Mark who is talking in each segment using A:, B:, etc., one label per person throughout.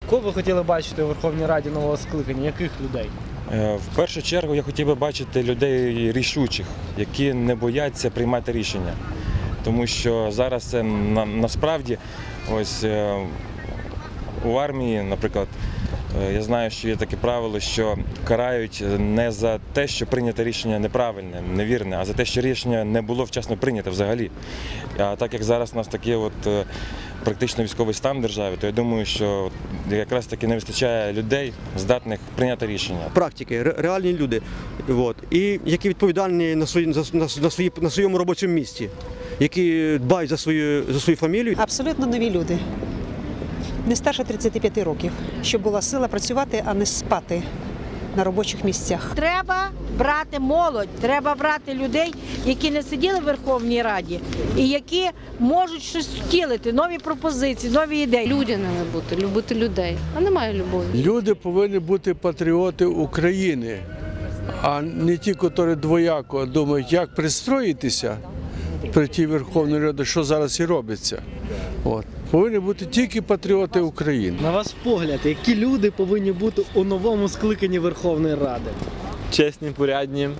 A: Кого ви хотіли бачити у Верховній Раді нового скликання? Яких людей?
B: В першу чергу я хотів би бачити людей рішучих, які не бояться приймати рішення. Тому що зараз це насправді ось у армії, наприклад, я знаю, що є таке правило, що карають не за те, що прийнято рішення неправильне, невірне, а за те, що рішення не було вчасно прийнято взагалі. А так як зараз у нас такий практично військовий стан в державі, то я думаю, що якраз таки не вистачає людей, здатних прийняти рішення.
C: Практики, реальні люди, і які відповідальні на своєму робочому місці, які дбають за свою фамілію.
D: Абсолютно нові люди. Не старше 35 років, щоб була сила працювати, а не спати на робочих місцях.
E: Треба брати молодь, треба брати людей, які не сиділи в Верховній Раді і які можуть щось втілити, нові пропозиції, нові ідеї.
F: Людяними бути, любити людей, а немає любові.
G: Люди повинні бути патріоти України, а не ті, які двояко думають, як пристроїтися при тій Верховній Раді, що зараз і робиться. Повинні бути тільки патріоти України.
A: На ваш погляд, які люди повинні бути у новому скликанні Верховної Ради?
H: Чесні, порядні,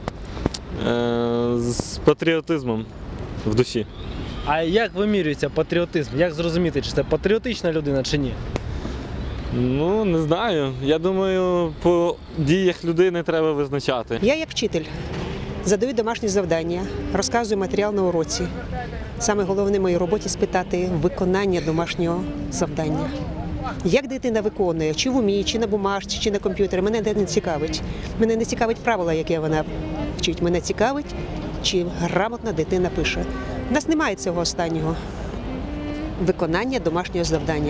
H: з патріотизмом в душі.
A: А як вимірюється патріотизм? Як зрозуміти, чи це патріотична людина, чи ні?
H: Ну, не знаю. Я думаю, по діях людини треба визначати.
D: Я як вчитель задаю домашні завдання, розказую матеріал на уроці. Саме головне в моїй роботі – спитати виконання домашнього завдання. Як дитина виконує, чи в умі, чи на бумажці, чи на комп'ютері, мене не цікавить. Мене не цікавить правила, які вона вчить. Мене цікавить, чи грамотно дитина пише. У нас немає цього останнього – виконання домашнього завдання.